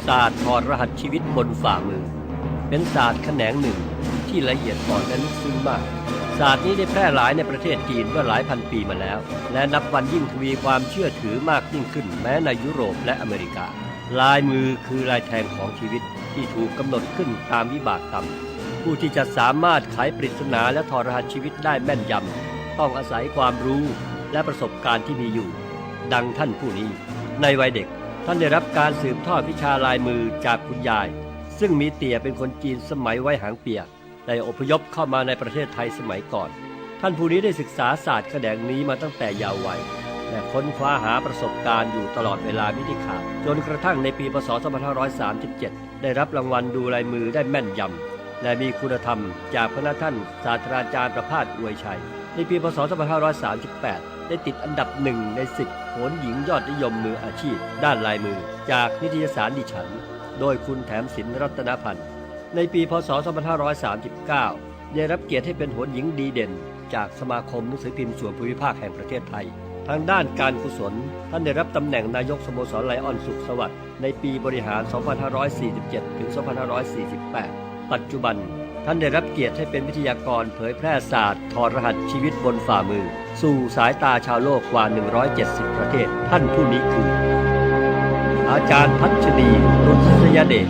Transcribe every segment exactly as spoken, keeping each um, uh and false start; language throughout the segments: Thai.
าสตร์ถอดรหัสชีวิตบนฝ่ามือเป็นศาสตร์แขนงหนึ่งที่ละเอียดอ่อนและลึกซึ้งมากศาสตร์นี้ได้แพร่หลายในประเทศจีนเมื่อหลายพันปีมาแล้วและนับวันยิ่งทวีความเชื่อถือมากยิ่งขึ้นแม้ในยุโรปและอเมริกาลายมือคือลายแทงของชีวิตที่ถูกกำหนดขึ้นตามวิบากกรรมผู้ที่จะสามารถไขปริศนาและถอดรหัสชีวิตได้แม่นยำต้องอาศัยความรู้และประสบการณ์ที่มีอยู่ดังท่านผู้นี้ในวัยเด็กท่านได้รับการสืบทอดวิชาลายมือจากคุณยายซึ่งมีเตี่ยเป็นคนจีนสมัยไว้หางเปียกได้อพยพเข้ามาในประเทศไทยสมัยก่อนท่านผู้นี้ได้ศึกษาศาสตร์แขนงนี้มาตั้งแต่เยาว์วัยและค้นคว้าหาประสบการณ์อยู่ตลอดเวลามิได้ขาดจนกระทั่งในปีพ.ศ. สองพันห้าร้อยสามสิบเจ็ดได้รับรางวัลดูลายมือได้แม่นยำและมีคุณธรรมจากพระท่านศาสตราจารย์ประภาสอวยชัยในปีพ.ศ. สองพันห้าร้อยสามสิบแปดได้ติดอันดับหนึ่งในสิบโหรหญิงยอดนิยมมืออาชีพด้านลายมือจากนิตยสารดิฉันโดยคุณแถมศิลป์รัตนพันธ์ในปีพ.ศ. สองพันห้าร้อยสามสิบเก้าได้รับเกียรติให้เป็นโหรหญิงดีเด่นจากสมาคมหนังสือพิมพ์ส่วนภูมิภาคแห่งประเทศไทยทางด้านการกุศลท่านได้รับตำแหน่งนายกสโมสรไลออนสุขสวัสดิ์ในปีบริหาร สองพันห้าร้อยสี่สิบเจ็ด ถึง สองพันห้าร้อยสี่สิบแปด ปัจจุบันท่านได้รับเกียรติให้เป็นวิทยากรเผยแพร่ศาสตร์ถอดรหัสชีวิตบนฝ่ามือสู่สายตาชาวโลกกว่าหนึ่งร้อยเจ็ดสิบประเทศท่านผู้นี้คืออาจารย์พัชรีรุษยเดช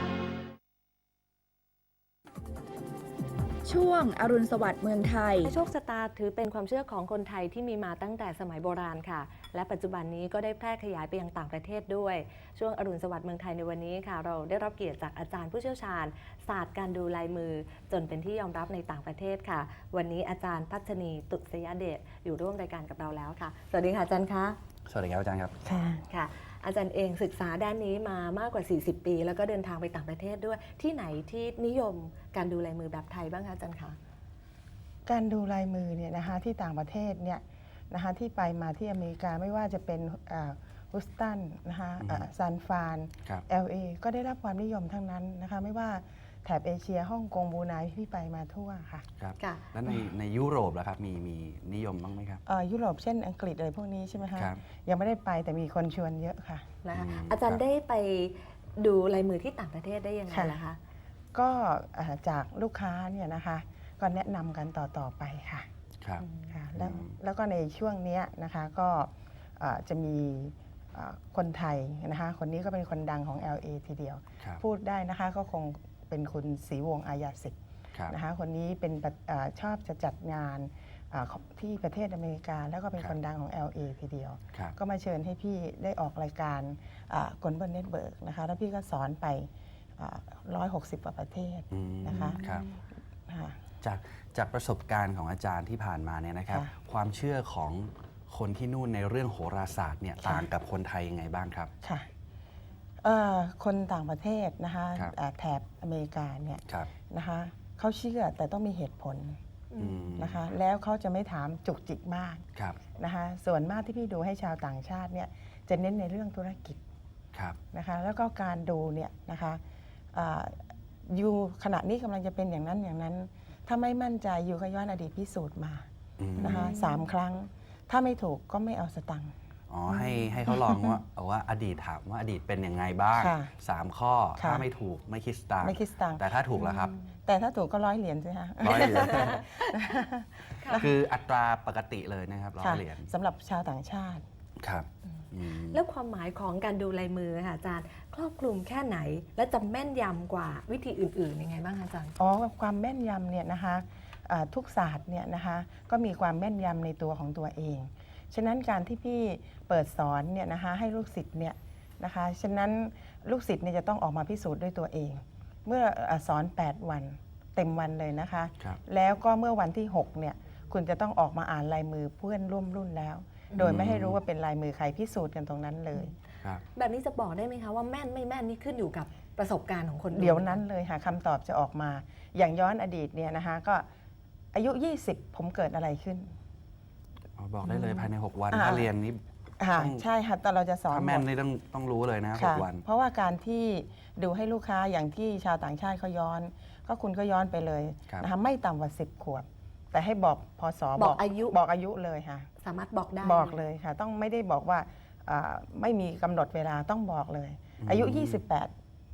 ช่วงอรุณสวัสดิ์เมืองไทยโชคชะตาถือเป็นความเชื่อของคนไทยที่มีมาตั้งแต่สมัยโบราณค่ะและปัจจุบันนี้ก็ได้แพร่ขยายไปยังต่างประเทศด้วยช่วงอรุณสวัสดิ์เมืองไทยในวันนี้ค่ะเราได้รับเกียรติจากอาจารย์ผู้เชี่ยวชาญศาสตร์การดูลายมือจนเป็นที่ยอมรับในต่างประเทศค่ะวันนี้อาจารย์พัชนีตุษยเดชอยู่ร่วมรายการกับเราแล้วค่ะสวัสดีค่ะอาจารย์คะสวัสดีครับอาจารย์ครับค่ะค่ะอาจารย์เองศึกษาด้านนี้มามากกว่าสี่สิบปีแล้วก็เดินทางไปต่างประเทศด้วยที่ไหนที่นิยมการดูลายมือแบบไทยบ้างคะอาจารย์คะการดูลายมือเนี่ยนะคะที่ต่างประเทศเนี่ยนะคะที่ไปมาที่อเมริกาไม่ว่าจะเป็นฮุสตันนะคะซานฟราน แอล เอ ก็ได้รับความนิยมทั้งนั้นนะคะไม่ว่าแถบเอเชียฮ่องกงบรูไนที่ไปมาทั่วค่ะครับแล้วในในยุโรปล่ะครับมีมีนิยมบ้างไหมครับยุโรปเช่นอังกฤษอะไรพวกนี้ใช่ไหมคะยังไม่ได้ไปแต่มีคนชวนเยอะค่ะนะคะอาจารย์ได้ไปดูลายมือที่ต่างประเทศได้ยังไงล่ะคะก็จากลูกค้าเนี่ยนะคะก็แนะนำกันต่อๆไปค่ะครับแล้วแล้วก็ในช่วงนี้นะคะก็จะมีคนไทยนะคะคนนี้ก็เป็นคนดังของ แอล เอ ทีเดียวพูดได้นะคะก็คงเป็นคุณศรีวงศ์อาญาสิทธิ์นะคะคนนี้เป็นชอบจะจัดงานที่ประเทศอเมริกาแล้วก็เป็นคนดังของ แอล เอ ทีเดียวก็มาเชิญให้พี่ได้ออกรายการกลบนเน็ตเบิร์กนะคะแล้วพี่ก็สอนไปหนึ่งร้อยหกสิบกว่าประเทศนะคะจากจากประสบการณ์ของอาจารย์ที่ผ่านมาเนี่ยนะครับความเชื่อของคนที่นู่นในเรื่องโหราศาสตร์เนี่ยต่างกับคนไทยยังไงบ้างครับค่ะคนต่างประเทศนะคะแถบอเมริกาเนี่ยนะคะเขาเชื่อแต่ต้องมีเหตุผลนะคะแล้วเขาจะไม่ถามจุกจิกมากนะคะส่วนมากที่พี่ดูให้ชาวต่างชาติเนี่ยจะเน้นในเรื่องธุรกิจนะคะแล้วก็การดูเนี่ยนะคะอยู่ขณะนี้กำลังจะเป็นอย่างนั้นอย่างนั้นถ้าไม่มั่นใจอยู่ก็ย้อนอดีตพิสูจน์มานะคะสามครั้งถ้าไม่ถูกก็ไม่เอาสตังค์อ๋อให้ให้เขาลองว่าเอาว่าอดีตถามว่าอดีตเป็นยังไงบ้างสามข้อถ้าไม่ถูกไม่คิดสตังค์ไม่คิดสตังค์แต่ถ้าถูกแล้วครับแต่ถ้าถูกก็ร้อยเหรียญใช่ไหมร้อยเหรียญคืออัตราปกติเลยนะครับร้อยเหรียญสำหรับชาวต่างชาติครับแล้วความหมายของการดูลายมือค่ะอาจารย์ครอบคลุมแค่ไหนและจะแม่นยำกว่าวิธีอื่นๆยังไงบ้างคะอาจารย์อ๋อความแม่นยำเนี่ยนะคะทุกศาสตร์เนี่ยนะคะก็มีความแม่นยำในตัวของตัวเองฉะนั้นการที่พี่เปิดสอนเนี่ยนะคะให้ลูกศิษย์เนี่ยนะคะฉะนั้นลูกศิษย์เนี่ยจะต้องออกมาพิสูจน์ด้วยตัวเอง เมื่อสอนแปดวันเต็มวันเลยนะคะแล้วก็เมื่อวันที่หกเนี่ยคุณจะต้องออกมาอ่านลายมือเพื่อนร่วมรุ่นแล้วโดยไม่ให้รู้ว่าเป็นลายมือใครพิสูจน์กันตรงนั้นเลยแบบนี้จะบอกได้ไหมคะว่าแม่นไม่แม่นนี่ขึ้นอยู่กับประสบการณ์ของคนเดี๋ยวนั้นเลยค่ะคำตอบจะออกมาอย่างย้อนอดีตเนี่ยนะคะก็อายุยี่สิบผมเกิดอะไรขึ้นบอกได้เลยภายในหกวันถ้าเรียนนี้ใช่ค่ะแต่เราจะสอนถ้าแม่นนี่ต้องต้องรู้เลยนะหกวันเพราะว่าการที่ดูให้ลูกค้าอย่างที่ชาวต่างชาติเขาย้อนก็คุณก็ย้อนไปเลยนะคะไม่ต่ำกว่าสิบขวบแต่ให้บอกพศบอกอายุบอกอายุเลยค่ะสามารถบอกได้บอกเลยค่ะต้องไม่ได้บอกว่าไม่มีกำหนดเวลาต้องบอกเลยอายุยี่สิบแปด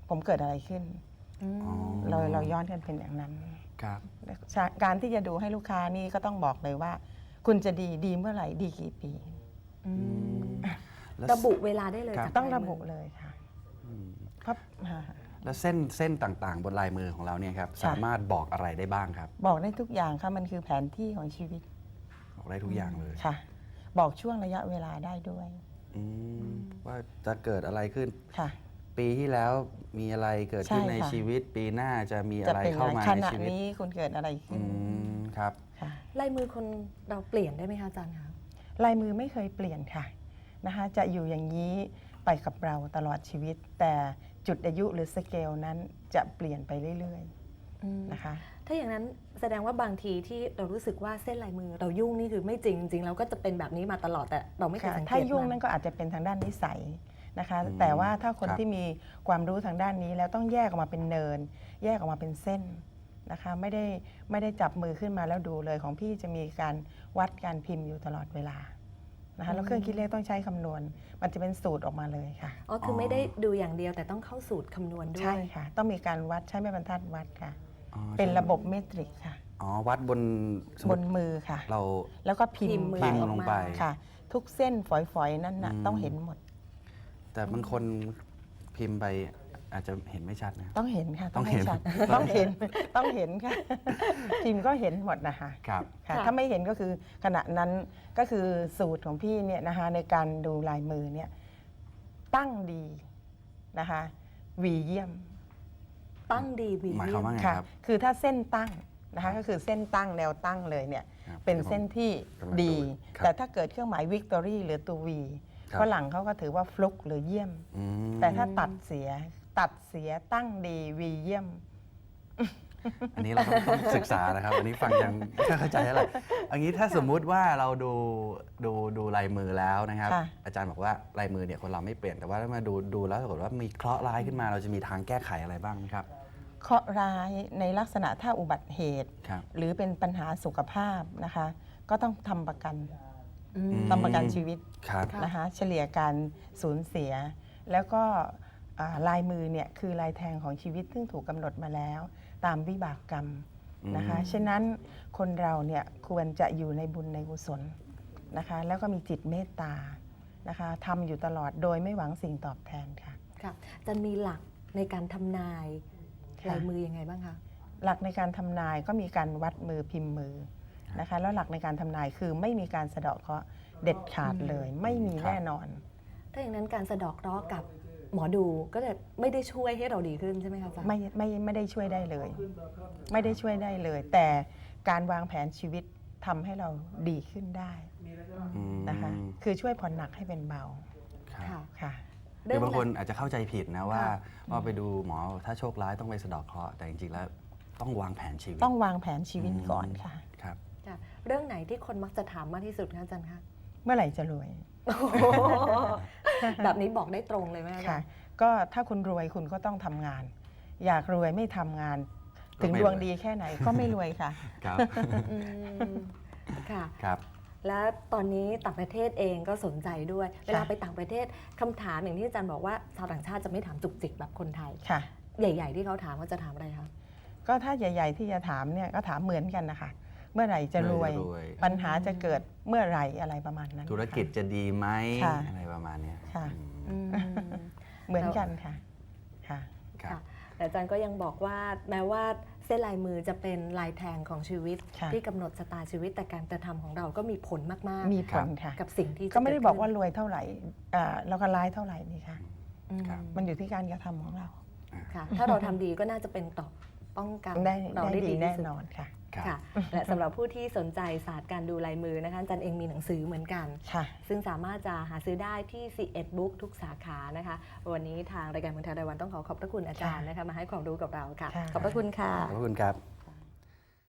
ผมเกิดอะไรขึ้นอืมอ๋อเราเราย้อนกันเป็นอย่างนั้นครับการที่จะดูให้ลูกค้านี่ก็ต้องบอกเลยว่า คุณจะดีดีเมื่อไหร่ดีกี่ปีอืมแล้วระบุเวลาได้เลยครับจากต้องลายระมืบุเลยค่ะอืมเพราะอ่าแล้วเส้นเส้นต่างๆ บนลายมือของเราเนี่ยครับค่ะสามารถบอกอะไรได้บ้างครับบอกได้ทุกอย่างค่ะมันคือแผนที่ของชีวิตบอกได้ทุกอย่างเลยค่ะ บอกช่วงระยะเวลาได้ด้วยอืมว่าจะเกิดอะไรขึ้นค่ะปีที่แล้วมีอะไรเกิดขึ้นใช่ในค่ะชีวิต ปีหน้าจะมีจะอะไรเป็นเข้าอะไรมาขในณะชีวิตนี้คุณเกิดอะไรขึ้อืนมครับค่ะลายมือคนเราเปลี่ยนได้ไหมคะอาจารย์คะลายมือไม่เคยเปลี่ยนค่ะนะคะจะอยู่อย่างนี้ไปกับเราตลอดชีวิต แต่จุดอายุหรือสเกลนั้นจะเปลี่ยนไปเรื่อยอืมๆนะคะถ้าอย่างนั้นแสดงว่าบางทีที่เรารู้สึกว่าเส้นลายมือเรายุ่งนี่คือไม่จริงจริงเราก็จะเป็นแบบนี้มาตลอดแต่เราไม่เคยค่ะสังเกตถ้ายุ่งมันั่นก็อาจจะเป็นทางด้านนิสัยนะคะอืมแต่ว่าถ้าคนครับที่มีความรู้ทางด้านนี้แล้วต้องแยกออกมาเป็นเนิน แยกออกมาเป็นเส้นนะคะไม่ได้ไม่ได้จับมือขึ้นมาแล้วดูเลยของพี่จะมีการวัดการพิมพ์อยู่ตลอดเวลานะคะแล้วเครื่องคิดเลขต้องใช้คำนวณ มันจะเป็นสูตรออกมาเลยค่ะอ๋อคือไม่ได้ดูอย่างเดียวแต่ต้องเข้าสูตรคำนวณด้วยใช่ค่ะ ต้องมีการวัดใช้แม่บรรทัดวัดค่ะอ๋อเป็นใช่ระบบเมตริกค่ะอ๋อวัดบนสมบมุนติมือค่ะเราแล้วก็พิมพิมพ์พ์มือไปพิมพ์ลงไปค่ะ ทุกเส้นฝอยๆ นั่นน่ะอืมต้องเห็นหมดแต่บางคนพิมพ์ไปอาจจะเห็นไม่ชัดนะต้องเห็นค่ะต้องเห็นชัดต้องเห็น ต้องเห็นค่ะ พิมพ์ก็เห็นหมดนะคะครับค่ะค่ะถ้าไม่เห็นก็คือขณะนั้นก็คือสูตรของพี่เนี่ยนะคะในการดูลายมือเนี่ยตั้งดีนะคะวีเยี่ยมตั้งดีวีหมายความว่าไงค่ะครับคือถ้าเส้นตั้งนะคะก็คือเส้นตั้งแนวตั้งเลยเนี่ยครับเป็นเส้นที่กำลังดีครับแต่ถ้าเกิดเครื่องหมายวิกตอรี่หรือตัววีครับฝรั่งเขาก็ถือว่าฟลุกหรือเยี่ยมอืมแต่ถ้าตัดเสียตัดเสียตั้งดีวีเยี่ยมอันนี้เราต้องต้องศึกษานะครับ อันนี้ฟังยังไม่ค่อยเข้าใจเท่าไหร่อันนี้ถ้าสมมุติว่าเราดูดูดูลายมือแล้วนะครับค่ะอาจารย์บอกว่าลายมือเนี่ยคนเราไม่เปลี่ยนแต่ว่าถ้ามาดูดูแล้วปรากฏว่ามีเคราะห์ร้ายขึ้นมาเราจะมีทางแก้ไขอะไรบ้างไหมครับเคราะห์ร้ายในลักษณะถ้าอุบัติเหตุครับหรือเป็นปัญหาสุขภาพนะคะ ก็ต้องทำประกันอืมทำประกันชีวิตครับค่ะนะคะเฉลี่ยการสูญเสีย แล้วก็อ่าลายมือเนี่ยคือลายแทงของชีวิตซึ่งถูกกำหนดมาแล้ว ตามวิบากกรรมนะคะอืมฉะนั้นคนเราเนี่ยควรจะอยู่ในบุญในกุศลนะคะแล้วก็มีจิตเมตตานะคะทำอยู่ตลอดโดยไม่หวังสิ่งตอบแทนค่ะค่ะจะมีหลักในการทำนายค่ะลายมือยังไงบ้างคะหลักในการทำนายก็มีการวัดมือพิมพ์มือนะคะแล้วหลักในการทำนายคือไม่มีการสะเดาะเคราะห์เด็ดขาดเลย ไม่มีแน่นอนถ้าอย่างนั้นการสะเดอกเคราะห์กับหมอดูก็จะไม่ได้ช่วยให้เราดีขึ้นใช่ไหมคะอาจารย์ไม่ไม่ไม่ได้ช่วยได้เลย ไม่ได้ช่วยได้เลย แต่การวางแผนชีวิตทำให้เราดีขึ้นได้อืมนะคะคือช่วยผ่อนหนักให้เป็นเบาครับค่ะค่ะคือบางคนอาจจะเข้าใจผิดนะว่าค่ะว่าไปดูหมอถ้าโชคร้ายต้องไปสะเดอกเคราะห์แต่จริงๆแล้วต้องวางแผนชีวิตต้องวางแผนชีวิตก่อนค่ะครับค่ะเรื่องไหนที่คนมักจะถามมากที่สุดคะอาจารย์คะเมื่อไหร่จะรวยแบบนี้บอกได้ตรงเลยไหมอาจาค่ะรย์ก็ถ้าคุณรวยคุณก็ต้องทำงาน อยากรวยไม่ทำงานก็ถึงไม่ดวงรวยดีแค่ไหนก็ไม่รวยค่ะครับอืมค่ะครับและตอนนี้ต่างประเทศเองก็สนใจด้วย เวลาไปต่างประเทศคำถามอย่างที่อาจารย์บอกว่าชาวต่างชาติจะไม่ถามจุกจิกแบบคนไทยค่ะใหญ่ ๆ ที่เขาถามว่าจะถามอะไรคะก็ถ้าใหญ่ ๆ ที่จะถามเนี่ยก็ถามเหมือนกันนะคะ เมื่อไหร่จะรวยเมื่อไหร่จะรวยปัญหาจะเกิดเมื่อไหร่อะไรประมาณนั้นธุรกิจจะดีไหมค่ะอะไรประมาณเนี้ยค่ะอืมอืมเหมือนกันค่ะค่ะครับค่ะแต่อาจารย์ก็ยังบอกว่าแม้ว่าเส้นลายมือจะเป็นลายแทงของชีวิตค่ะที่กำหนดชะตาชีวิตแต่การกระทำของเราก็มีผลมากมีผลค่ะๆ กับสิ่งที่จะก็ไม่ได้บอกว่าเดรวยเท่าไหร่อ่าแล้วก็ร้ายเท่าไหร่นี่ค่ะขึ้นครับมันอยู่ที่การกระทำของเราค่ะ ถ้าเราทำดีก็น่าจะเป็นต่อป้องกันได้เราได้ได้ดีดีแน่ที่สุดนอนค่ะครับค่ะ และสำหรับผู้ที่สนใจศาสตร์การดูลายมือนะคะอาจารย์เองมีหนังสือเหมือนกันค่ะซึ่งสามารถจะหาซื้อได้ที่ ซี เอ็ด Book ทุกสาขานะคะ วันนี้ทางรายการเมืองไทยรายวันต้องขอขอบพระคุณอาจารย์นะคะมาให้ความรู้กับเราค่ะค่ะขอบพระคุณค่ะขอบคุณครับ